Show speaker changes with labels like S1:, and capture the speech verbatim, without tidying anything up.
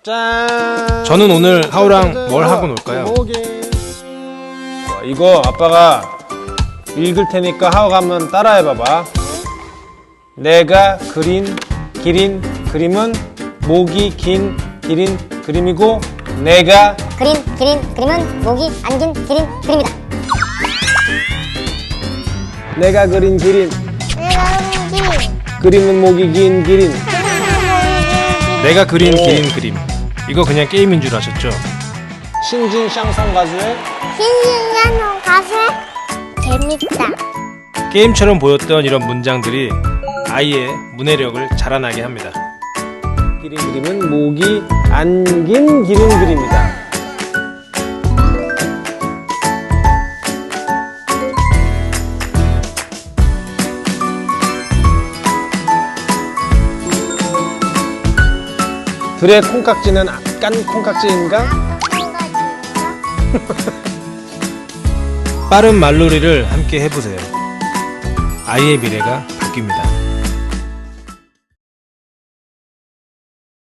S1: 짠.
S2: 저는 오늘 하우랑 뭘 하고 놀까요?
S1: 어, 이거 아빠가 읽을 테니까 하우가 한번 따라해봐봐. 내가 그린 기린 그림은 목이 긴 기린 그림이고 내가
S3: 그린 기린 그림은 목이 안 긴 기린 그림이다.
S1: 내가 그린 기린
S3: 내가 그린 기린
S1: 그림은 목이 긴 기린.
S2: 내가 그린 기린 그림. 이거 그냥 게임인 줄 아셨죠?
S1: 신진 샹송 가수의
S3: 신신한 가수의 재밌다.
S2: 게임처럼 보였던 이런 문장들이 아이의 문해력을 자라나게 합니다.
S1: 기린 그림은 목이 안 긴 기린 그림이다. 둘의 콩깍지는 깐 콩깍지인가?
S2: 빠른 말놀이를 함께 해보세요. 아이의 미래가 바뀝니다.